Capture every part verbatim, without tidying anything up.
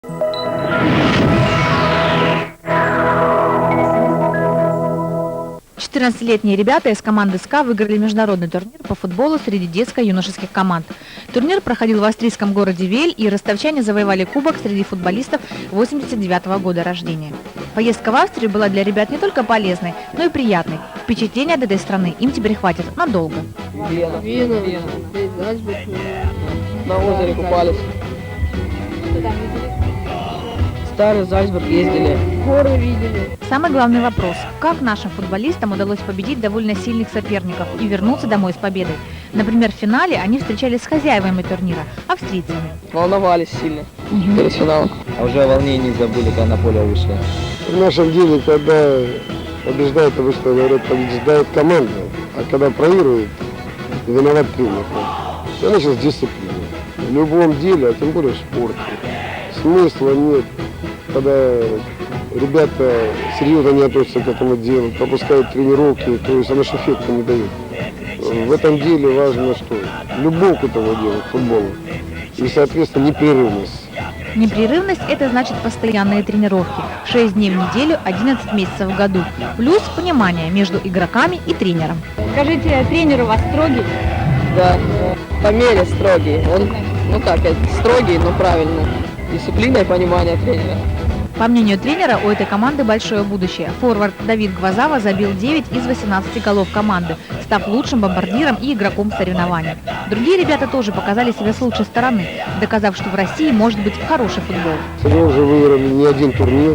четырнадцатилетние ребята из команды СКА выиграли международный турнир по футболу среди детско-юношеских команд. Турнир проходил в австрийском городе Вель, и ростовчане завоевали кубок среди футболистов восемьдесят девятого года рождения. Поездка в Австрию была для ребят не только полезной, но и приятной. Впечатления от этой страны им теперь хватит надолго. Вена. Вена. Вена. На озере купались. Старый Зальцбург ездили. Горы видели. Самый главный вопрос – как нашим футболистам удалось победить довольно сильных соперников и вернуться домой с победой? Например, в финале они встречались с хозяевами турнира – австрийцами. Волновались сильно угу. перед финалом. А уже о волнении забыли, когда на поле вышли. В нашем деле, когда побеждает, обычно говорят, побеждает команда, а когда проигрывает, виноват тренер. Я начал с дисциплины. В любом деле, а тем более в спорте. Смысла нет, когда ребята серьезно не относятся к этому делу, пропускают тренировки, то есть она эффекта не дает. В этом деле важно что? Любовь к этому делу, к футболу. И, соответственно, непрерывность. Непрерывность – это значит постоянные тренировки. шесть дней в неделю, одиннадцать месяцев в году. Плюс понимание между игроками и тренером. Скажите, тренер у вас строгий? Да, по мере строгий. Он, ну как, строгий, но правильно. Дисциплина и понимание тренера. По мнению тренера, у этой команды большое будущее. Форвард Давид Гвозава забил девять из восемнадцати голов команды, став лучшим бомбардиром и игроком соревнований. Другие ребята тоже показали себя с лучшей стороны, доказав, что в России может быть хороший футбол. Мы уже выиграли не один турнир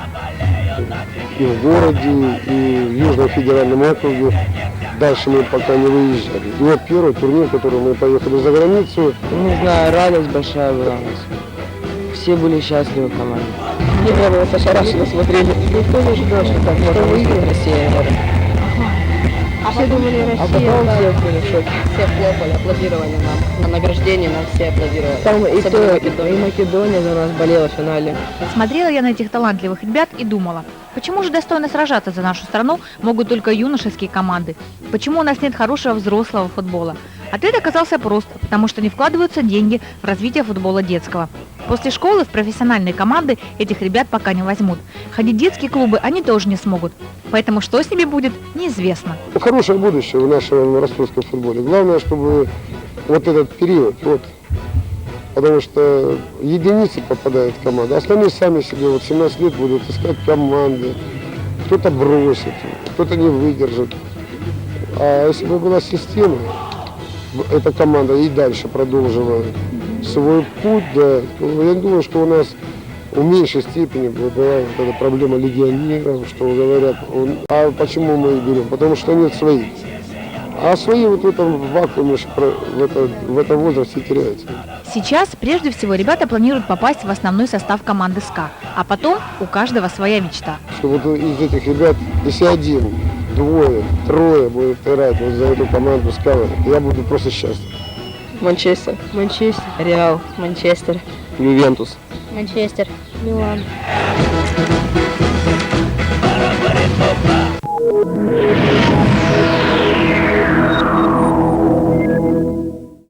и в городе, и в Южном федеральном округе. Дальше мы пока не выезжали. И вот первый турнир, который мы поехали за границу. Не знаю, радость большая была у нас. Все были счастливы в команде. Не было, ошарашенно смотрели. Никто не ожидал, что так можно выиграть Россия. А все думали, Россия. А потом все были в шоке. Все хлопали, аплодировали нам. На награждении нам все аплодировали. Там и, то, Македония. и Македония за нас болела в финале. Смотрела я на этих талантливых ребят и думала, почему же достойно сражаться за нашу страну могут только юношеские команды? Почему у нас нет хорошего взрослого футбола? Ответ оказался прост, потому что не вкладываются деньги в развитие футбола детского. После школы в профессиональные команды этих ребят пока не возьмут. Ходить в детские клубы они тоже не смогут. Поэтому что с ними будет, неизвестно. Хорошее будущее в нашем ростовском футболе. Главное, чтобы вот этот период, вот, потому что единицы попадают в команду, остальные сами себе вот семнадцать лет будут искать команды. Кто-то бросит, кто-то не выдержит. А если бы была система, эта команда и дальше продолжила свой путь, да, я думаю, что у нас в меньшей степени была вот эта проблема легионеров, что говорят, а почему мы их берем? Потому что нет своих. А свои вот в этом вакууме, в, это, в этом возрасте теряются. Сейчас прежде всего ребята планируют попасть в основной состав команды СКА, а потом у каждого своя мечта. Что вот из этих ребят, если один, двое, трое будут играть вот за эту команду СКА, я буду просто счастлив. Манчестер. Манчестер. Реал. Манчестер. Ювентус. Манчестер. Милан. Para, para,